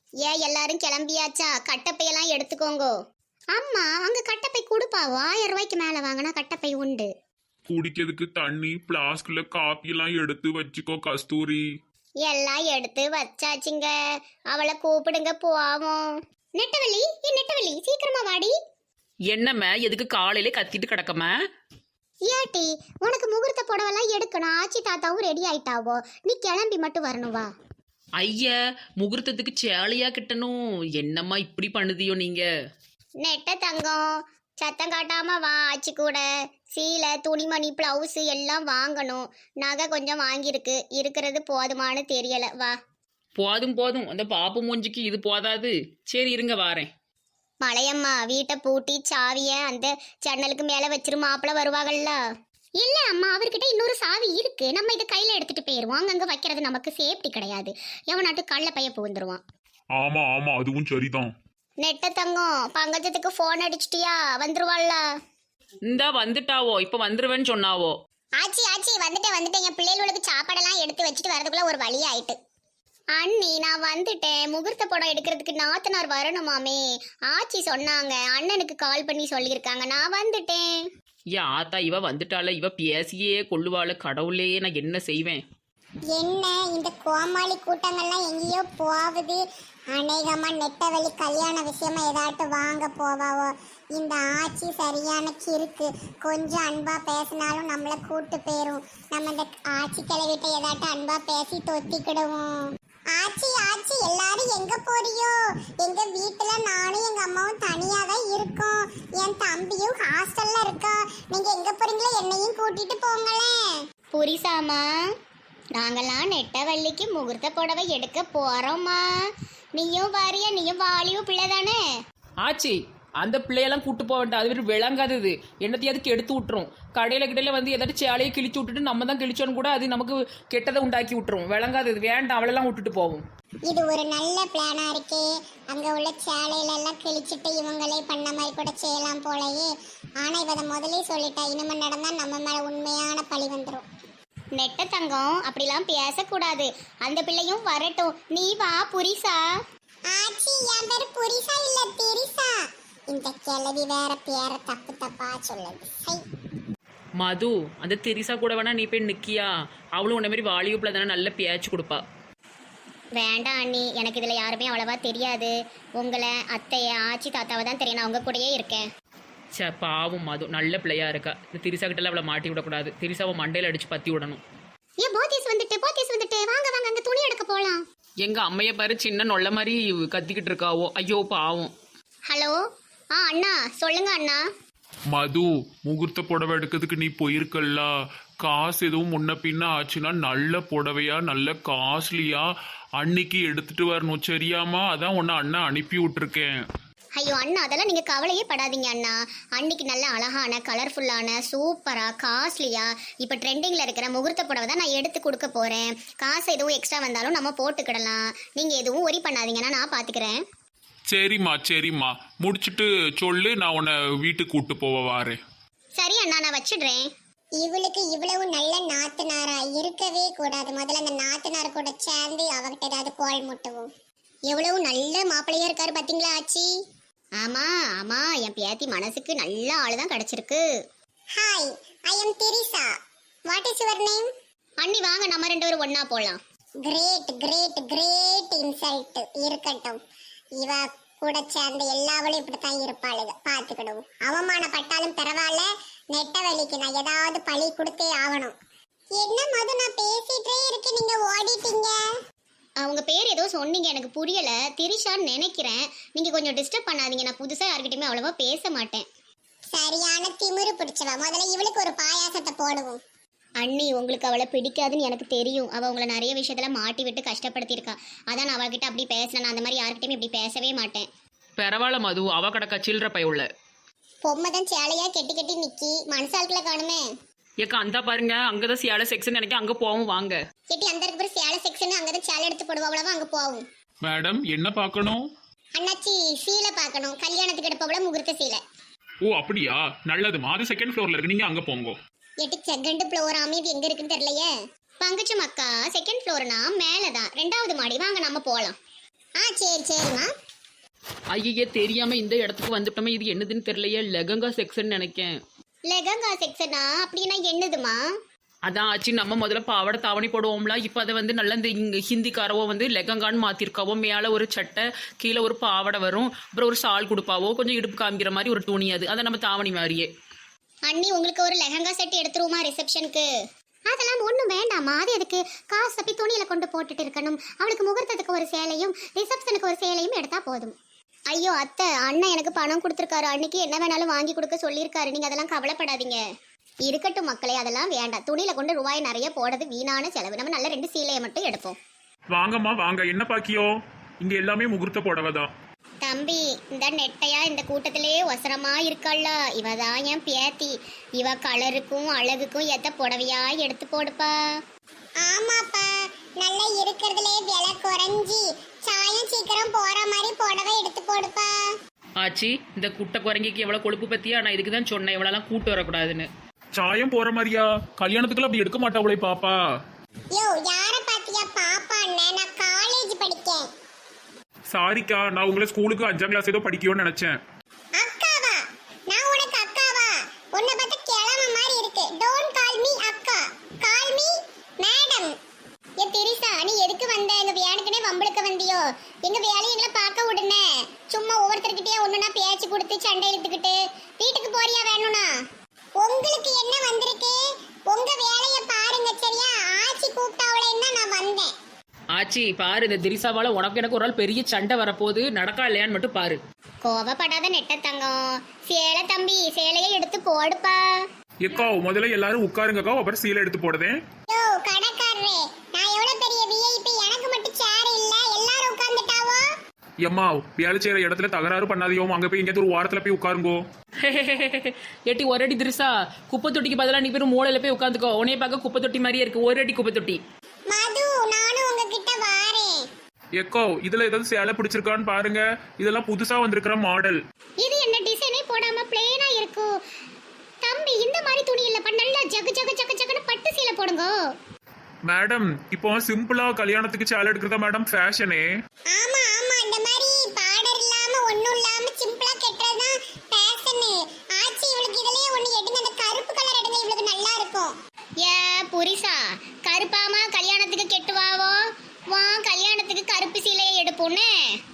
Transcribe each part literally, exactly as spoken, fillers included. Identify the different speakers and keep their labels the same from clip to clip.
Speaker 1: ஏன் எல்லாரும் கிளம்பியாச்சா? கட்டப்பையெல்லாம் எடுத்துக்கோங்கோ. அம்மா அங்க கட்டப்பை கொடுப்பாவோ? ஆயிரம் ரூபாய்க்கு மேல வாங்கினா கட்டப்பை உண்டு.
Speaker 2: குடிக்கிறதுக்கு தண்ணி பிளாஸ்க்ல காப்பி எல்லாம் எடுத்து வச்சுக்கோ கஸ்தூரி.
Speaker 1: எல்லாம் எடுத்து வச்சாச்சுங்க. அவளை கூப்பிடுங்க போவோம். நெட்டவள்ளி, ஏ நெட்டவள்ளி, சீக்கிரமா வாடி.
Speaker 3: என்னம்மா எதுக்கு காலையில கத்திட்டு கிடக்கமா?
Speaker 1: ஏட்டி, உனக்கு முகூர்த்த புடவெல்லாம் எடுக்கணும். ஆச்சி தாத்தாவும் ரெடி ஆயிட்டாவோ, நீ கிளம்பி மட்டும் வரணும் வா.
Speaker 3: ஐயா, முகூர்த்தத்துக்கு சேலையா கிட்டணும். என்னம்மா இப்படி பண்ணுதியோ நீங்க?
Speaker 1: நெட்ட தங்கம், சத்தம் காட்டாம வா. ஆச்சி கூட சீலை, துணிமணி, பிளவுஸ் எல்லாம் வாங்கணும். நகை கொஞ்சம் வாங்கியிருக்கு, இருக்கிறது போதுமானு தெரியல. வா.
Speaker 3: போதும் போதும், அந்த பாப்பு மூஞ்சிக்கு இது போதாது. சரி இருங்க வாரேன்.
Speaker 1: மலையம்மா, வீட்டை பூட்டி சாவிய அந்த ஜன்னலுக்கு மேல வச்சிரு, மாப்பிள்ள வருவாங்கல்ல. இல்ல அம்மா, அவர்கிட்ட இன்னொரு சாவி இருக்கு. நம்ம இதை கையில எடுத்துட்டு போயிருவோம். அங்கங்க வைக்கிறது நமக்கு சேஃப்டி கிடையாது. எவனாட்டு கள்ள பைய புகுந்துருவான்.
Speaker 2: ஆமா ஆமா, அதுவும் சரிதான்.
Speaker 1: நெட்ட தங்கம், பங்கஜத்துக்கு போன் அடிச்சிட்டியா? வந்துருவாள்ல?
Speaker 3: இந்தா வந்துட்டாவோ, இப்ப வந்துருவேன்னு சொன்னாவோ.
Speaker 1: ஆச்சி ஆச்சி, வந்துட்டேன் வந்துட்டேன். என் பிள்ளைகளுக்கு சாப்பாடெல்லாம் எடுத்து வச்சுட்டு வரதுக்குள்ள ஒரு வழி ஆயிட்டு. அண்ணி, நான் வந்துட்டேன். முகூர்த்த படம் எடுக்கிறதுக்கு நாத்தனார் வரணுமாமே. ஆச்சி சொன்னாங்க, அண்ணனுக்கு கால் பண்ணி சொல்லியிருக்காங்க. நான் வந்துட்டேன்.
Speaker 3: ஏ ஆத்தா, இவ வந்துட்டால. இவ பேசியே கொள்ளுவாள. கடவுளே, நான் என்ன செய்வேன்?
Speaker 4: என்ன இந்த கோமாளி கூட்டங்கள்லாம் எங்கேயோ போகுது. அநேகமா நெட்டவெளி கல்யாண விஷயமா ஏதாட்டும் வாங்க போவாவோ. இந்த ஆச்சி சரியான கிறுக்கு. கொஞ்சம் அன்பா பேசினாலும் நம்மளை கூட்டு போயிரும். நம்ம இந்த ஆச்சி கிளவிட்ட ஏதாட்டும் அன்பா பேசி தொத்திக்கிடுவோம். ஆச்சி ஆச்சி, எல்லாரும் எங்க போறியோ? எங்க வீட்டுல நானும் எங்க அம்மாவும் தனியா தான் இருக்கோம். என் தம்பியும் ஹாஸ்டல்ல இருக்கா. நீங்க எங்க போறீங்களோ என்னையும் கூட்டிட்டு போங்களேன்.
Speaker 1: புரிசாமா, நாங்கெல்லாம் நெட்டவள்ளிக்கு முகூர்த்த புடவை எடுக்க போறோம்மா. நீயும் வாரியா? நீயும் வாலியும் பிள்ளை தானே?
Speaker 3: ஆச்சி, அந்த பிள்ளையெல்லாம் கூட்டு போக வேண்டாம். அது வெறும் விளங்காதது. என்னத்தையாவது எடுத்து விட்டுரும். கடையில கிடையில வந்து ஏதாச்சும் சேலையை கிழிச்சு விட்டுட்டு நம்ம தான் கிழிச்சோன்னு கூட அது நமக்கு கெட்டதை உண்டாக்கி விட்டுரும். விளங்காதது வேண்டாம். அவளெல்லாம் விட்டுட்டு போவோம்.
Speaker 4: இது ஒரு நல்ல பிளானா இருக்கே. அங்க உள்ள சேலையில எல்லாம் கிழிச்சிட்டு இவங்களே பண்ண மாதிரி கூட செய்யலாம் போலயே. ஆனா இவ முதலே சொல்லிட்டா, இனிமே நடந்தா நம்ம மேல உண்மையான பழி வந்துடும்.
Speaker 1: நெட்ட தங்கம், அப்படிலாம் பேசக்கூடாது. அந்த பிள்ளையும் வரட்டும். நீ வா புரிசா.
Speaker 4: ஆச்சி, என் பேரு புரிசா இல்ல திரிசா. இந்த கிழவி வேற பேர தப்பு தப்பா சொல்லுது.
Speaker 3: மது, அந்த தெரிசா கூட வேணா நீ போய் நிக்கியா? அவளும் உன்ன மாதிரி வாலியூப்ல தானே நல்ல பேச்சு கொடுப்பா.
Speaker 1: வேண்டாம் அண்ணி, எனக்கு இதுல யாருமே அவ்வளவா தெரியாது. உங்களை, அத்தைய, ஆச்சி தாத்தாவை தான் தெரியும். நான் உங்க கூடயே இருக்கேன்.
Speaker 3: சே, பாவம் மது, நல்ல பிள்ளையா இருக்கா. இந்த திரிசா கிட்ட அவளை மாட்டி விடக்கூடாது. திரிசாவை மண்டையில அடிச்சு பத்தி விடணும்.
Speaker 1: ஏ போத்தீஸ் வந்துட்டு, போத்தீஸ் வந்துட்டு, வாங்க வாங்க, அங்க துணி எடுக்க போலாம்.
Speaker 3: எங்க அம்மைய பாரு, சின்ன நொல்ல மாதிரி கத்திக்கிட்டு இருக்காவோ. ஐயோ பாவம்.
Speaker 1: ஹலோ, ஆ அண்ணா சொல்லுங்க அண்ணா.
Speaker 2: மது, முகூர்த்த புடவை எடுக்கிறதுக்கு நீ போயிருக்கல்ல, காசு எதுவும் முன்ன பின்ன ஆச்சுன்னா நல்ல புடவையா நல்ல காஸ்ட்லியா அன்னைக்கு எடுத்துட்டு வரணும், சரியாமா? அதான் உன்னை அண்ணா அனுப்பி விட்டுருக்கேன்.
Speaker 1: ஐயோ அண்ணா, அதெல்லாம் நீங்க கவலையே படாதீங்க அண்ணா. அன்னைக்கு நல்ல அழகான கலர்ஃபுல்லான சூப்பரா காஸ்ட்லியா இப்ப ட்ரெண்டிங்ல இருக்கிற முகூர்த்த புடவை தான் நான் எடுத்து கொடுக்க போறேன். காசு எதுவும் எக்ஸ்ட்ரா வந்தாலும் நம்ம போட்டுக்கிடலாம். நீங்க எதுவும் ஒரி பண்ணாதீங்கன்னா நான் பாத்துக்கிறேன்.
Speaker 2: சரிம்மா சரிம்மா, முடிச்சுட்டு சொல்லு, நான் உன்னை வீட்டுக்கு கூட்டு போவ வாரேன்.
Speaker 1: சரி அண்ணா, நான் வச்சிடுறேன்.
Speaker 4: இவளுக்கு இவ்வளவு நல்ல நாத்தனாரா இருக்கவே கூடாது. முதல்ல அந்த நாத்தனார் கூட சேர்ந்து அவகிட்ட ஏதாவது கோல் முட்டுவோம்.
Speaker 1: எவ்வளவு நல்ல மாப்பிள்ளையா இருக்காரு பாத்தீங்களா ஆச்சி? ஆமா ஆமா, என் பேத்தி மனசுக்கு நல்ல ஆளுதான் கிடைச்சிருக்கு.
Speaker 4: Hi, I am Trisha. What is your name?
Speaker 1: அண்ணி வாங்க, நம்ம ரெண்டு பேரும் ஒன்னா போலாம்.
Speaker 4: Great great great insult. இருக்கட்டும், இவ கூட சேர்ந்த எல்லாவளும் இப்படித்தான் இருப்பாளுங்க. பாத்துக்கிடுவோம். அவமானப்பட்டாலும் பரவாயில்ல, நெட்டவெளிக்கு நான் ஏதாவது பழி கொடுத்தே ஆகணும். என்ன மது, நான் பேசிட்டே இருக்கேன், நீங்க ஓடிட்டீங்க.
Speaker 1: அவங்க பேர் ஏதோ சொன்னீங்க, எனக்கு புரியல. திரிஷான்னு நினைக்கிறேன். நீங்க கொஞ்சம் டிஸ்டர்ப் பண்ணாதீங்க. நான் புதுசா யார்கிட்டயுமே அவ்வளவா பேச மாட்டேன்.
Speaker 4: சரியான திமிரு பிடிச்சவ. முதல்ல இவளுக்கு ஒரு பாயாசத்தை போடுவோம்.
Speaker 1: அண்ணி, உங்களுக்கு அவளை பிடிக்காதுன்னு எனக்கு தெரியும். அவ உங்களை நிறைய விஷயத்துல மாட்டி விட்டு கஷ்டப்படுத்தியிருக்கா. அதான் நான் அவகிட்ட அப்படி பேசினேன். நான் அந்த மாதிரி யார்கிட்டயுமே இப்படி பேசவே மாட்டேன்.
Speaker 3: பரவாயில்ல மது, அவ கடக்கா சில்லற பை உள்ள
Speaker 4: பொம்மை தான் சேலையா கெட்டி கெட்டி நிக்கி, மனசால்குள்ள காணுமே.
Speaker 3: ஏக்கா அந்த பாருங்க, அங்கதான் சேலை செக்ஷன் நினைக்க, அங்க போவோம் வாங்க.
Speaker 4: கெட்டி அந்த இருக்கிற சேலை செக்ஷன், அங்கதான் சேலை எடுத்து போடுவா. அவ்வளவா அங்க போவோம்.
Speaker 2: மேடம், என்ன பார்க்கணும்?
Speaker 4: அண்ணாச்சி, சீலை பார்க்கணும். கல்யாணத்துக்கு எடுப்பவள முகூர்த்த சீலை.
Speaker 2: ஓ அப்படியா, நல்லதுமா. அது செகண்ட் ஃப்ளோர்ல இருக்கு, நீங்க அங்க போங்க.
Speaker 4: எட்டு செகண்ட் ஃப்ளோர் அமைதி எங்க இருக்குன்னு தெரியலையே.
Speaker 1: பங்குச்சம் அக்கா, செகண்ட் ஃப்ளோர்னா மேலதான், ரெண்டாவது மாடி. வாங்க நம்ம போலாம்.
Speaker 4: ஆ சரி சரிம்மா.
Speaker 3: ஐயே தெரியாம இந்த இடத்துக்கு வந்துட்டோமே, இது என்னதுன்னு தெரியலையே. லெகங்கா செக்ஷன் நினைக்கேன்.
Speaker 1: லெகங்கா செக்ஷனா அப்படின்னா என்னதுமா?
Speaker 3: அதான் ஆச்சு, நம்ம முதல்ல பாவாடை தாவணி போடுவோம்ல, இப்போ அதை வந்து நல்ல இந்த இங்க ஹிந்திக்காரவோ வந்து லெகங்கான்னு மாத்திருக்காவோ. மேலே ஒரு சட்டை, கீழே ஒரு பாவாடை வரும், அப்புறம் ஒரு ஷால் கொடுப்பாவோ, கொஞ்சம் இடுப்பு காமிக்கிற மாதிரி ஒரு துணி. அது அதை நம்ம தாவணி மாதிரியே.
Speaker 1: அண்ணி உங்களுக்கு ஒரு லெஹங்கா செட் எடுத்துருவோமா ரிசப்ஷனுக்கு? அதெல்லாம் ஒன்றும் வேண்டாமா, அது எதுக்கு காசு தப்பி துணியில கொண்டு போட்டுட்டு இருக்கணும். அவளுக்கு முகூர்த்தத்துக்கு ஒரு சேலையும் ரிசப்ஷனுக்கு ஒரு சேலையும் எடுத்தா போதும். ஐயோ அத்தை, அண்ணன் எனக்கு பணம் கொடுத்துருக்காரு, அன்னைக்கு என்ன வேணாலும் வாங்கி கொடுக்க சொல்லியிருக்காரு, நீங்க அதெல்லாம் கவலைப்படாதீங்க. இருக்கட்டும் மக்களே, அதெல்லாம் வேண்டாம். துணியில கொண்டு ரூபாய் நிறைய போடுறது வீணான செலவு. நம்ம நல்ல ரெண்டு சீலையை மட்டும் எடுப்போம்.
Speaker 2: வாங்கம்மா வாங்க, என்ன பாக்கியோ? இங்க எல்லாமே முகூர்த்த புடவை தான்.
Speaker 1: தம்பி, இந்த நெட்டையா இந்த கூட்டத்திலே ஒசரமா இருக்காள்ல, இவ தான் என் பேத்தி. இவ கலருக்கும் அழகுக்கும் எத்த புடவையா எடுத்து போடுப்பா.
Speaker 4: ஆமாப்பா, நல்லா இருக்கிறதுலே விலை குறைஞ்சி சாயம் சீக்கிரம் போற மாதிரி புடவை எடுத்து போடுப்பா.
Speaker 3: ஆச்சு, இந்த குட்டை குரங்கிக்கு எவ்வளோ கொழுப்பு பத்தியா? நான் இதுக்கு தான் சொன்னேன் இவ்வளோலாம் கூட்டு வரக்கூடாதுன்னு.
Speaker 2: சாயம் போற மாதிரியா? கல்யாணத்துக்குள்ள அப்படி எடுக்க மாட்டாவளே பாப்பா.
Speaker 4: யோ யார பாத்தியா பாப்பா? அண்ணன் நான் காலேஜ் படிக்கேன்.
Speaker 2: சாரிக்கா, நான் உங்களை ஸ்கூலுக்கு அஞ்சாம் கிளாஸ் ஏதோ படிக்கணும்னு நினைச்சேன்.
Speaker 4: அக்காவா? நான் உனக்கு அக்காவா? உன்னை பார்த்தா கிழமை மாதிரி இருக்கு. டோன்ட் கால் மீ அக்கா, கால் மீ மேடம்.
Speaker 1: ஏ திரிசா, நீ எதுக்கு வந்த? எங்க வேணுக்குனே வம்பளுக்க வந்தியோ? எங்க வேலையை எங்களை பார்க்க விடுனே. சும்மா ஒவ்வொருத்தர்கிட்டயே ஒண்ணுனா பேச்சு கொடுத்து சண்டை இழுத்துக்கிட்டு வீட்டுக்கு போறியா வேணும்னா?
Speaker 4: உங்களுக்கு என்ன வந்திருக்கு? உங்க வேலைய பாருங்க சரியா? ஆச்சி கூப்பிட்டாவளேன்னா நான் வந்தேன்.
Speaker 3: ஆச்சி பாரு, இந்த திரிசாவால உனக்கு எனக்கு ஒரு நாள் பெரிய சண்டை வரப்போகுது, நடக்கா இல்லையான்னு மட்டும் பாரு.
Speaker 1: கோவப்படாத நெட்ட தங்கம். சேலை தம்பி, சேலையை எடுத்து போடுப்பா.
Speaker 2: எக்கா முதல்ல எல்லாரும் உட்காருங்கக்கா, அப்புறம் சீலை எடுத்து போடுதேன்.
Speaker 4: யோ கடைக்காரரே, நான் எவ்வளவு பெரிய விஐபி, எனக்கு மட்டும் சேர் இல்ல, எல்லாரும் உட்கார்ந்துட்டாவோ?
Speaker 2: எம்மா வேலை செய்யற இடத்துல தகராறு பண்ணாதையோ, அங்க போய் எங்கேயாவது ஒரு வாரத்துல போய் உட்காருங்கோ.
Speaker 3: ஏட்டி ஒரு அடி திரிசா, குப்பை தொட்டிக்கு பதிலாக நீ பேர் மூளையில போய் உட்காந்துக்கோ. உன்னைய பார்க்க குப்பை தொட்டி மாதிரியே இருக்கு, ஒரு அடி குப்பை தொட்டி.
Speaker 4: மது, நானும் உங்ககிட்ட வாரேன்.
Speaker 2: எக்கோ இதுல ஏதாவது சேலை பிடிச்சிருக்கான்னு பாருங்க, இதெல்லாம் புதுசா வந்திருக்கிற மாடல்.
Speaker 1: இது என்ன டிசைனே போடாம பிளேனா இருக்கு தம்பி. இந்த மாதிரி துணி இல்லப்பா, நல்லா ஜகு ஜகு ஜகு ஜகுன்னு பட்டு சீலை போடுங்க.
Speaker 2: மேடம் இப்போ சிம்பிளா கல்யாணத்துக்கு சேலை எடுக்கிறதா மேடம் ஃபேஷனே.
Speaker 4: ஆமா ஆமா, இந்த மாதிரி பார்டர் இல்லாம ஒண்ணும் இல்லாம சிம்பிளா கெட்டறதுதான் ஃபேஷன். ஆச்சி இவளுக்கு இதுலயே ஒண்ணு எடுங்க, அந்த கருப்பு கலர் எடுங்க, இவளுக்கு நல்லா இருக்கும்.
Speaker 1: ஏ புரிசா, கருப்பாமா கல்யாணத்துக்கு கெட்டுவாவோ? வா கல்யாணத்துக்கு கருப்பு சீலையை எடுப்போன்னு.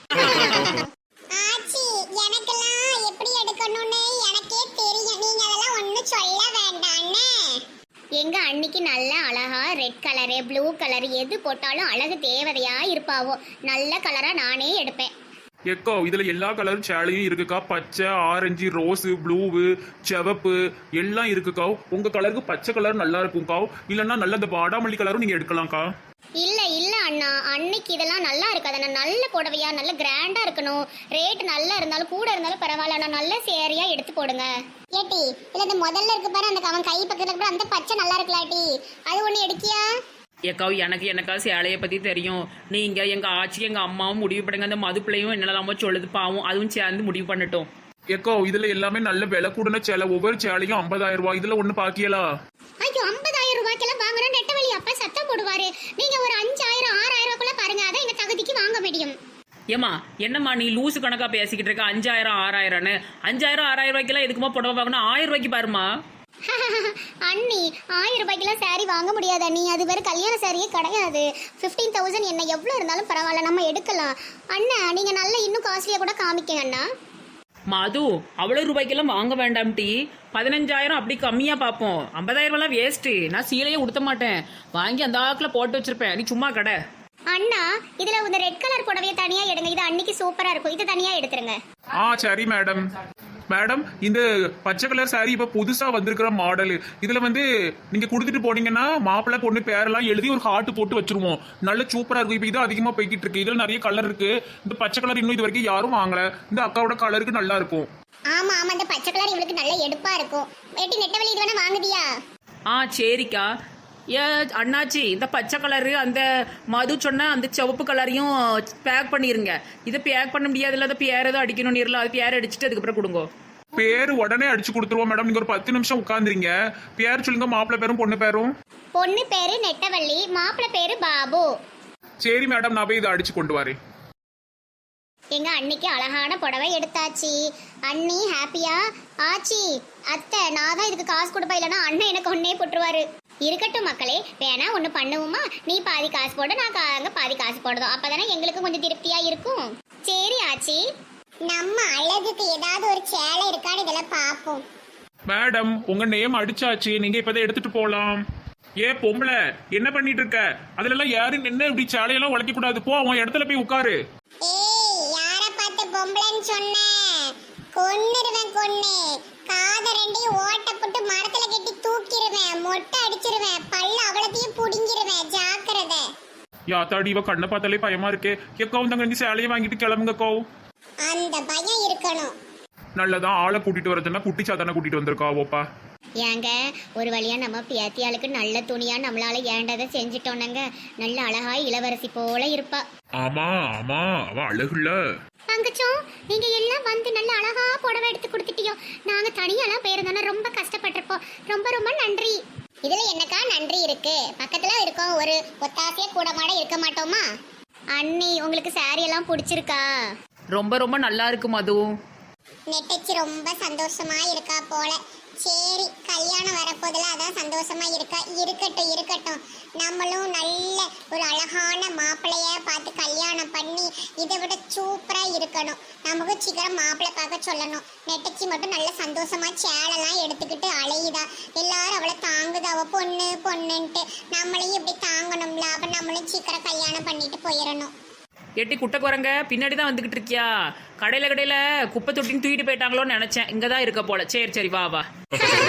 Speaker 4: ஆச்சி எனக்கெல்லாம் எப்படி எடுக்கணும்னு எனக்கே தெரியும், நீங்க அதெல்லாம் ஒண்ணும் சொல்ல வேண்டாம்னே.
Speaker 1: எங்க அன்னைக்கு நல்ல அழகா ரெட் கலரு ப்ளூ கலர் எது போட்டாலும் அழகு தேவதையா இருப்பாவோ. நல்ல கலரா நானே எடுப்பேன்.
Speaker 2: எக்கோ இதுல எல்லா கலரும் சேலையும் இருக்குக்கா. பச்சை, ஆரஞ்சு, ரோஸு, ப்ளூவு, சிவப்பு எல்லாம் இருக்குக்கா. உங்க கலருக்கு பச்சை கலர் நல்லா இருக்கும்க்கா, இல்லைன்னா நல்ல இந்த பாடாமல்லி கலரும் நீங்க எடுக்கலாம்க்கா.
Speaker 1: இல்ல இல்ல அண்ணா, அன்னைக்கு இதெல்லாம் நல்லா இருக்காது. நான் நல்ல புடவையா நல்ல கிராண்டா இருக்கணும். ரேட் நல்லா இருந்தாலும் கூட இருந்தாலும் பரவாயில்ல, நான் நல்ல சேரியா எடுத்து போடுங்க.
Speaker 4: ஏட்டி இல்ல இந்த முதல்ல இருக்கு பாரு, அந்த அவன் கை பக்கத்துல கூட அந்த பச்சை நல்லா இருக்கலாட்டி, அது ஒண்ணு எடுக்கியா?
Speaker 3: ஏக்காவும் எனக்கு எனக்கா சேலையை பத்தி தெரியும். நீங்க எங்க ஆச்சி எங்க அம்மாவும் முடிவு பண்ணுங்க, அந்த மது பிள்ளையும் என்னெல்லாமோ சொல்லுது பாவம், அதுவும் சேர்ந்து முடிவு பண்ணட்டும்.
Speaker 2: எக்கோ இதுல எல்லாமே நல்ல விலை கூடன சேலை, ஒவ்வொரு சேலையும் ஐம்பதாயிரம் ரூபாய். இதுல ஒண்ணு பாக்கியலா?
Speaker 1: ஐயோ, ஐம்பதாயிரம் ரூபாய்க்கெல்லாம் வாங்கணும் நெட்டவழி அப்பா சத்தம் போடுவாரு. நீங்க ஒரு அஞ்சாயிரம் ஆறாயிரம் ரூபாய்க்குள்ள பாருங்க, அதான் எங்க தகுதிக்கு வாங்க முடியும்.
Speaker 3: ஏமா என்னம்மா நீ லூசு கணக்கா பேசிக்கிட்டு இருக்க? அஞ்சாயிரம் ஆறாயிரம்னு அஞ்சாயிரம் ஆறாயிரம் ரூபாய்க்கெல்லாம் எதுக்குமா புடவை வாங்கணும்? ஆயிரம் ரூபாய்க்கு பாருமா.
Speaker 1: அண்ணி, ஆயிரம் ரூபாய்க்கெல்லாம் சாரி வாங்க முடியாது அண்ணி, அது வேற கல்யாண சாரியே கிடையாது. ஃபிஃப்டீன் தௌசண்ட் என்ன எவ்வளோ இருந்தாலும் பரவாயில்ல, நம்ம எடுக்கலாம். அண்ணா நீங்க நல்ல இன்னும் காஸ்ட்லியா கூட காமிக்கங்க அண்ணா.
Speaker 3: மது அவ்வளவு ரூபாய்க்கெல்லாம் வாங்க வேண்டாம் டி, பதினஞ்சாயிரம் அப்படி கம்மியா பார்ப்போம். ஐம்பதாயிரம் எல்லாம் வேஸ்ட்டு, நான் சீலையே உடுத்த மாட்டேன், வாங்கி அந்த ஆக்கில் போட்டு வச்சிருப்பேன், நீ சும்மா கடை.
Speaker 1: அண்ணா இதுல இந்த ரெட் கலர் புடவையை தனியா எடுங்க, இது அன்னைக்கு சூப்பரா இருக்கும், இது தனியா எடுத்துருங்க.
Speaker 2: ஆ சரி மேடம். மேடம் இந்த பச்சை கலர் சாரி இப்ப புதுசா வந்திருக்கிற மாடல். இதுல வந்து நீங்க கொடுத்துட்டு போனீங்கன்னா மாப்பிள்ளை பொண்ணு பேரெல்லாம் எழுதி ஒரு ஹார்ட் போட்டு வச்சிருவோம், நல்ல சூப்பரா இருக்கும். இப்ப இது அதிகமா போய்கிட்டு இருக்கு, இதுல நிறைய கலர் இருக்கு. இந்த பச்சை கலர் இன்னும் இது வரைக்கும் யாரும் வாங்கல, இந்த அக்காவோட கலருக்கு நல்லா இருக்கும்.
Speaker 1: ஆமா ஆமா, இந்த பச்சை கலர் இவளுக்கு நல்ல எடுப்பா இருக்கும். ஏட்டி நெட்டவழி இது வேணா வாங்குதியா?
Speaker 3: ஆ சரிக்கா. ஏ அண்ணாச்சி, இந்த பச்சை கலரு அந்த மது சொன்ன அந்த சிவப்பு கலரையும் பேக் பண்ணிருங்க. இதை பேக் பண்ண முடியாதுல்ல, அதை பேர் ஏதோ அடிக்கணும் நீர்ல, அது பேர் அடிச்சுட்டு அதுக்கப்புறம் கொடுங்க.
Speaker 2: பேரு உடனே அடிச்சு கொடுத்துருவோம் மேடம். நீங்க ஒரு பத்து நிமிஷம் உட்காந்துறீங்க. பேர் சொல்லுங்க, மாப்பிள்ளை பேரும் பொண்ணு பேரும்.
Speaker 1: பொண்ணு பேரு நெட்டவள்ளி, மாப்பிள்ளை பேரு பாபு.
Speaker 2: சரி மேடம், நான் போய் இதை அடிச்சு கொண்டு வரேன்.
Speaker 1: எங்க அன்னிக்கு அழகான புடவை எடுத்தாச்சு. அண்ணி ஹாப்பியா? ஆச்சி அத்தை நான் தான் இதுக்கு காசு கொடுப்பா, இல்லைன்னா அண்ணன் எனக்கு ஒன்னே போட்டுருவாரு. இருக்கட்டும் மக்களே, வேணா ஒன்று பண்ணுவோமா? நீ பாதி காசு போடு, நான் கா- அங்க பாதி காசு போடுதோம், அப்பதானே எங்களுக்கு கொஞ்சம் திருப்தியா இருக்கும். சரி ஆச்சி.
Speaker 4: நம்ம அழகுக்கு ஏதாவது ஒரு சேலை இருக்கான்னு இதெல்லாம் பார்ப்போம்.
Speaker 2: மேடம் உங்க நேம் அடிச்சாச்சு, நீங்க இப்பதான் எடுத்துட்டு போலாம். ஏ பொம்பளை என்ன பண்ணிட்டு இருக்க? அதுல எல்லாம் யாரும் நின்று இப்படி சாலையெல்லாம் உழைக்க கூடாது. போ உன் இடத்துல போய் உட்காரு.
Speaker 4: ஏய், யார பார்த்து பொம்பளைன்னு சொன்ன? கொன்னுருவேன் கொன்னு. காத ரெண்டையும் ஓட்ட போட்டு மரத்துல கட்டி தூக்கிடுவேன், மொட்டை அடிச்சிருவேன், பல்ல அவ்வளத்தையும் புடுங்கிருவேன், ஜாக்கிரதை.
Speaker 2: யாத்தாடி இவ கண்ணை பார்த்தாலே பயமா இருக்கே. எக்காவும் தங்க சேலையை வாங்கிட்டு கிளம்புங்க கோ.
Speaker 4: அந்த பயம் இருக்கணும்.
Speaker 2: நல்லதான் ஆளை கூட்டிட்டு வரதுன்னா குட்டி சாத்தான கூட்டிட்டு வந்திருக்கா ஓப்பா.
Speaker 1: ஏங்க ஒரு வழியா நம்ம பேத்தியாளுக்கு நல்ல துணியா நம்மளால ஏண்டதை செஞ்சுட்டோன்னங்க. நல்ல அழகா இளவரசி போல இருப்பா.
Speaker 2: ஆமா ஆமா அவ அழகுல.
Speaker 1: தங்கச்சோம் நீங்க எல்லாம் வந்து நல்ல அழகா புடவை எடுத்து கொடுத்துட்டியோ. நாங்க தனியாலாம் போயிருந்தோம்னா ரொம்ப கஷ்டப்பட்டிருப்போம். ரொம்ப ரொம்ப நன்றி. இதுல என்னக்கா நன்றி இருக்கு? பக்கத்துல இருக்கோம், ஒரு ஒத்தாசைய கூட மாட இருக்க மாட்டோமா? அண்ணி உங்களுக்கு சாரி எல்லாம் பிடிச்சிருக்கா?
Speaker 3: ரொம்ப ரொம்ப நல்லா இருக்கு மது.
Speaker 4: நெட்டச்சி ரொம்ப சந்தோஷமா இருக்கா போல. சரி, கல்யாணம் வரப்போதில் அதான் சந்தோஷமா இருக்கா. இருக்கட்டும் இருக்கட்டும், நம்மளும் நல்ல ஒரு அழகான மாப்பிள்ளைய பார்த்து கல்யாணம் பண்ணி இதை விட சூப்பரா இருக்கணும். நமக்கு சீக்கிரம் மாப்பிள்ளை பார்க்க சொல்லணும். நெட்டச்சி மட்டும் நல்ல சந்தோஷமா சேலெல்லாம் எடுத்துக்கிட்டு அலையுதா. எல்லாரும் அவளை தாங்குதா, அவ பொண்ணு பொண்ணுன்ட்டு. நம்மளையும் இப்படி தாங்கணும்ல, அப்ப நம்மளும் சீக்கிரம் கல்யாணம் பண்ணிட்டு போயிடணும்.
Speaker 3: எட்டி குட்டை குரங்க பின்னாடி தான் வந்துகிட்டு இருக்கியா? கடையில கடையில குப்பை தொட்டின்னு தூக்கிட்டு போயிட்டாங்களோன்னு நினைச்சேன். இங்கதான் இருக்க போல. சரி சரி வா வா.